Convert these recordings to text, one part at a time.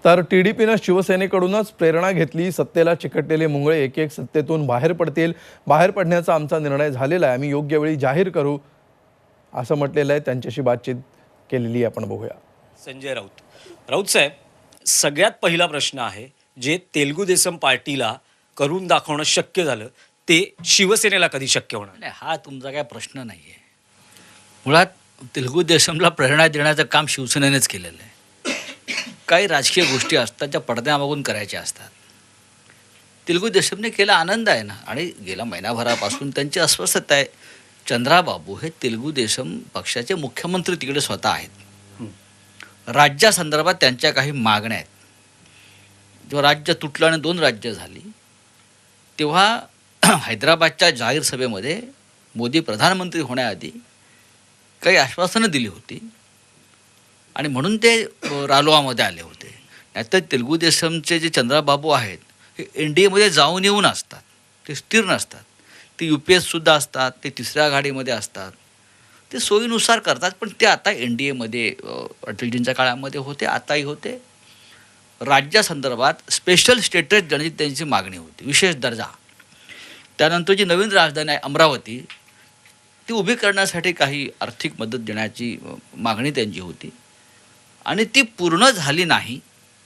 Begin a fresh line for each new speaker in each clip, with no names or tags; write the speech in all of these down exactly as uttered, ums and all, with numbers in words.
तर टीडीपीनं शिवसेनेकडूनच प्रेरणा घेतली. सत्तेला चिकटलेले मुंगळे एक एक सत्तेतून बाहेर पडतील. बाहेर पडण्याचा आमचा निर्णय झालेला आहे. आम्ही योग्य वेळी जाहीर करू असं म्हटलेलं आहे. त्यांच्याशी बातचीत केलेली आपण बघूया.
संजय राऊत राऊत साहेब, सगळ्यात पहिला प्रश्न आहे, जे तेलुगू देसम पार्टीला करून दाखवणं शक्य झालं ते शिवसेनेला कधी शक्य होणार?
नाही, हा तुमचा काय प्रश्न नाही आहे. मुळात तेलुगू देशमला प्रेरणा देण्याचं काम शिवसेनेनेच केलेलं आहे. काही राजकीय गोष्टी असतात ज्या पडद्यामागून करायच्या असतात. तेलुगू देशमने केला, आनंद आहे ना. आणि गेल्या महिनाभरापासून त्यांची अस्वस्थता आहे. चंद्राबाबू हे तेलुगू देशम पक्षाचे मुख्यमंत्री तिकडे स्वतः आहेत. राज्यासंदर्भात त्यांच्या काही मागण्या आहेत. जेव्हा राज्य तुटलं आणि दोन राज्य झाली तेव्हा हैदराबादच्या जाहीर सभेमध्ये मोदी प्रधानमंत्री होण्याआधी काही आश्वासनं दिली होती आणि म्हणून ते रालोआमध्ये आले होते. नाहीतर तेलुगू देशमचे जे चंद्राबाबू आहेत हे एन डी एमध्ये जाऊन येऊन असतात. ते स्थिर नसतात. ते यू पी एससुद्धा असतात. ते तिसऱ्या आघाडीमध्ये असतात. ते सोयीनुसार करतात. पण ते आता एन डी एमध्ये अटलजींच्या काळामध्ये होते, आताही होते. राज्यासंदर्भात स्पेशल स्टेटस देण्याची त्यांची मागणी होती, विशेष दर्जा. त्यानंतर जी नवीन राजधानी आहे अमरावती, ती उभी करण्यासाठी काही आर्थिक मदत देण्याची मागणी त्यांची होती आणि ती पूर्ण झाली नाही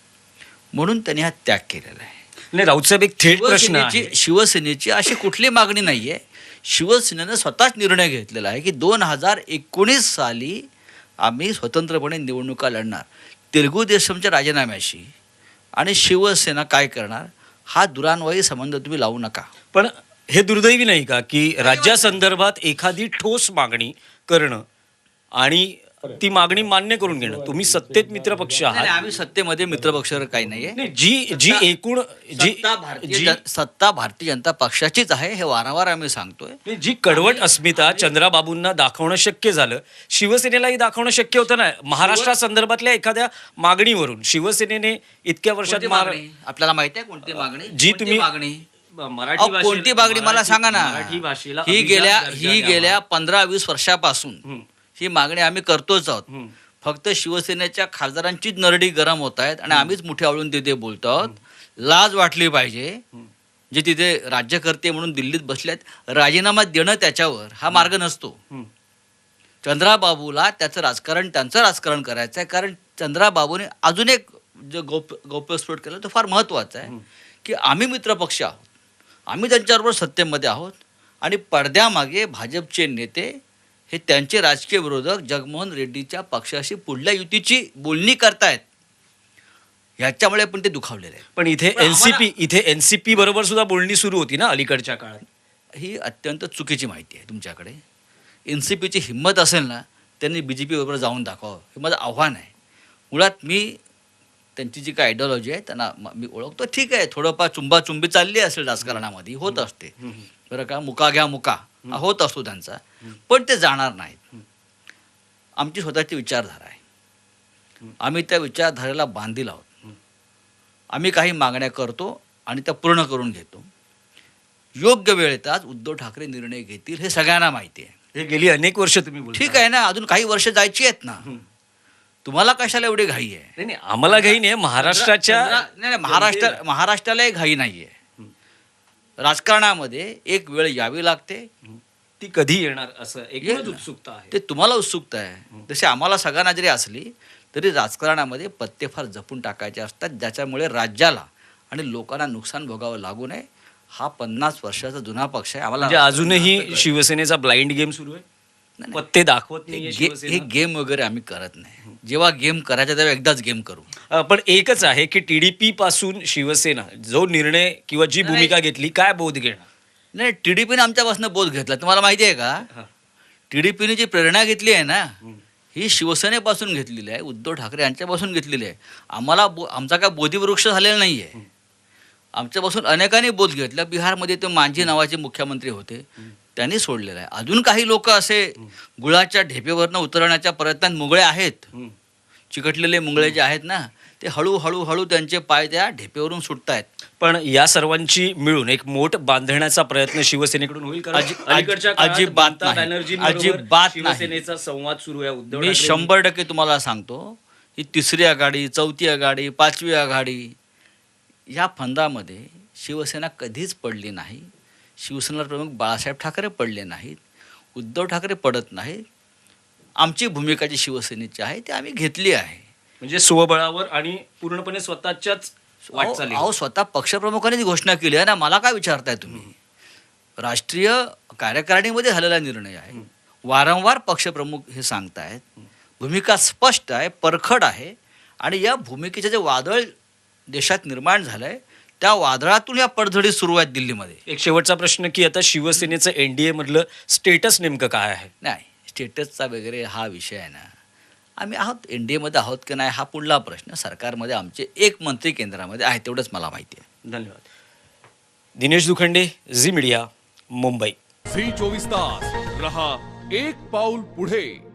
म्हणून त्यांनी हा त्याग केलेला आहे.
नाही राऊत साहेब, एक थेट प्रश्न आहे.
शिवसेनेची अशी कुठली मागणी नाही आहे. शिवसेनेनं स्वतःच निर्णय घेतलेला आहे की दोन हजार एकोणीस साली आम्ही स्वतंत्रपणे निवडणुका लढणार. तेलुगू देशमच्या राजीनाम्याशी आणि शिवसेना काय करणार हा दुरान्वयी संबंध तुम्ही लावू नका.
पण हे दुर्दैवी नाही का की राज्यासंदर्भात एखादी ठोस मागणी करणं आणि ती मागणी मान्य करून घेणं? तुम्ही सत्तेत मित्रपक्ष
नाही,
आहात.
आम्ही सत्तेमध्ये मित्रपक्ष काही नाहीये.
नाही, जी जी एकूण जी
सत्ता भारतीय
जी
जन- सत्ता भारतीय जनता पक्षाचीच आहे, हे वारंवार आम्ही सांगतोय.
जी कडवट अस्मिता चंद्राबाबूंना दाखवणं शक्य झालं, शिवसेनेलाही दाखवणं शक्य होतं ना. महाराष्ट्रासंदर्भातल्या एखाद्या मागणीवरून शिवसेनेने इतक्या वर्षात
कोणती
महारा-
मागणी? आपल्याला माहिती आहे कोणती मागणी?
जी
कोणती
तुम्ही-
मागणी
मराठी
अहो,
भाषेला-
कोणती मागणी मला
मराठी-
सांगा ना.
मराठी भाषेला
ही
अभिजात
गेल्या
दर्जा
ही
द्यावा.
गेल्या पंधरा वीस वर्षापासून
हम्म.
ही मागणी आम्ही करतोच आहोत.
हम्म.
फक्त शिवसेनेच्या खासदारांचीच नरडी गरम होत आहेत आणि आम्हीच मुठी आवळून तिथे बोलतो आहोत. लाज वाटली पाहिजे. जे तिथे राज्यकर्ते म्हणून दिल्लीत बसलेत, राजीनामा देणं त्याच्यावर हा मार्ग नसतो.
हम्म.
चंद्राबाबूला त्याचं राजकारण त्यांचं राजकारण करायचं आहे. कारण चंद्राबाबूने अजून एक जो गौप गौप्यस्फोट केला तो फार महत्त्वाचा आहे की आम्ही मित्रपक्ष आहोत, आम्ही त्यांच्याबरोबर सत्तेमध्ये आहोत आणि पडद्यामागे भाजपचे नेते हे त्यांचे राजकीय विरोधक जगनमोहन रेड्डीच्या पक्षाशी पुढल्या युतीची बोलणी करतायत. ह्याच्यामुळे पण ते दुखावलेले आहेत.
पण इथे
पण आम्हाला-
एनसीपी इथे एनसीपी बरोबर सुद्धा बोलणी सुरू होती ना अलीकडच्या काळात.
ही अत्यंत चुकीची माहिती आहे तुमच्याकडे. एन सी पीची हिंमत असेल ना, त्यांनी बी जे पीबरोबर जाऊन दाखवावं, हे माझं आव्हान आहे. मुळात मी त्यांची जी काय आयडिओलॉजी आहे त्यांना म- मी ओळखतो. ठीक आहे, थोडंफार चुंबाचुंबी चालली असेल राजकारणामध्ये, होत असते बरं का. मुका घ्या मुका हा होत असतो त्यांचा, पण ते जाणार नाहीत. आमची स्वतःची विचारधारा आहे. आम्ही त्या विचारधारेला बांधील आहोत. आम्ही काही मागण्या करतो आणि त्या पूर्ण करून घेतो. योग्य वेळेतच उद्धव ठाकरे निर्णय घेतील हे सगळ्यांना माहिती आहे.
हे गेली अनेक वर्ष तुम्ही बोलताय.
ठीक आहे ना, अजून काही वर्ष जायची आहेत ना. तुम्हाला कशाला एवढी घाई आहे?
नाही नाही, आम्हाला घाई नाही. महाराष्ट्राच्या
चंद्रा- नाही नाही, महाराष्ट्र महाराष्ट्रालाही घाई नाही आहे. राजकारणामध्ये एक वेळ यावी लागते.
ती कधी येणार असं एक
येईल ना.
उत्सुकता आहे.
ते तुम्हाला उत्सुकता आहे, तशी आम्हाला सगळ्यांना जरी असली तरी राजकारणामध्ये पत्ते फार जपून टाकायचे असतात, ज्याच्यामुळे राज्याला आणि लोकांना नुकसान भोगावं लागू नये. हा पन्नास वर्षाचा जुना पक्ष आहे.
म्हणजे
आम्हाला
अजूनही शिवसेनेचा ब्लाइंड गेम सुरू आहे.
नाही.
पत्ते दाखवत
हे
नाही
गे- हे गेम वगैरे आम्ही करत नाही. जेव्हा गेम करायचा तेव्हा एकदाच गेम करू.
पण एकच आहे की टीडीपी पासून शिवसेना जो निर्णय किंवा जी
नाही.
भूमिका घेतली, काय बोध घेणार?
नाही, टी डी पीने आमच्यापासून बोध घेतला. तुम्हाला माहिती आहे का? टी डी पीने जी प्रेरणा घेतली आहे ना, ही शिवसेनेपासून घेतलेली आहे, उद्धव ठाकरे यांच्यापासून घेतलेली आहे. आम्हाला बो आमचा काय बोधिवृक्ष झालेला नाही आहे. आमच्यापासून अनेकांनी बोध घेतला. बिहारमध्ये ते मांझी नावाचे मुख्यमंत्री होते, त्यांनी सोडलेलं आहे. अजून काही लोक असे गुळाच्या ढेपेवरनं उतरण्याच्या प्रयत्नात मुंगळे आहेत. चिकटलेले मुंगळे जे आहेत ना, ते हळूहळू हळू त्यांचे पाय त्या ढेपेवरून सुटतायत.
पण या सर्वांची मिळून एक मोठ बांधण्याचा प्रयत्न शिवसेनेकडून होईल का?
अजि-
अलीकडच्या काळात
अजिबात
ममता
नाही.
बॅनर्जींबरोबर
अजिबात नाही.
शिवसेनेचा संवाद सुरू आहे. उद्धव
मी
ठाकरे-
शंभर टक्के तुम्हाला सांगतो, ही तिसरी आघाडी, चौथी आघाडी, पाचवी आघाडी, या फंदामध्ये शिवसेना कधीच पडली नाही. शिवसेना प्रमुख बाळासाहेब ठाकरे पडले नाहीत, उद्धव ठाकरे पडत नाहीत. आमची भूमिका जी शिवसेनेची आहे ती आम्ही घेतली आहे.
म्हणजे स्वबळावर आणि पूर्णपणे स्वतःच्याच वाटचाली.
अहो स्वतः पक्षप्रमुखांनी ती घोषणा केली आहे ना, मला काय विचारताय तुम्ही? राष्ट्रीय कार्यकारिणीमध्ये झालेला निर्णय आहे. वारंवार पक्षप्रमुख हे सांगतायत. भूमिका स्पष्ट आहे, परखड आहे. आणि या भूमिकेचं जे वादळ देशात निर्माण झालं आहे, त्या वादळातून या पडझडी सुरू आहेत दिल्लीमध्ये.
एक शेवटचा प्रश्न की आता शिवसेनेचं एनडीए मधलं स्टेटस नेमकं काय आहे?
नाही, स्टेटसचा वगैरे हा विषय आहे ना, आम्ही आहोत एन डी एमध्ये आहोत की नाही हा पुढला प्रश्न. सरकारमध्ये आमचे एक मंत्री केंद्रामध्ये आहे, तेवढंच मला माहिती आहे.
धन्यवाद. Dinesh Dukhande, Zee media, Mumbai.
Zee चोवीस तास रहा एक पाऊल पुढे.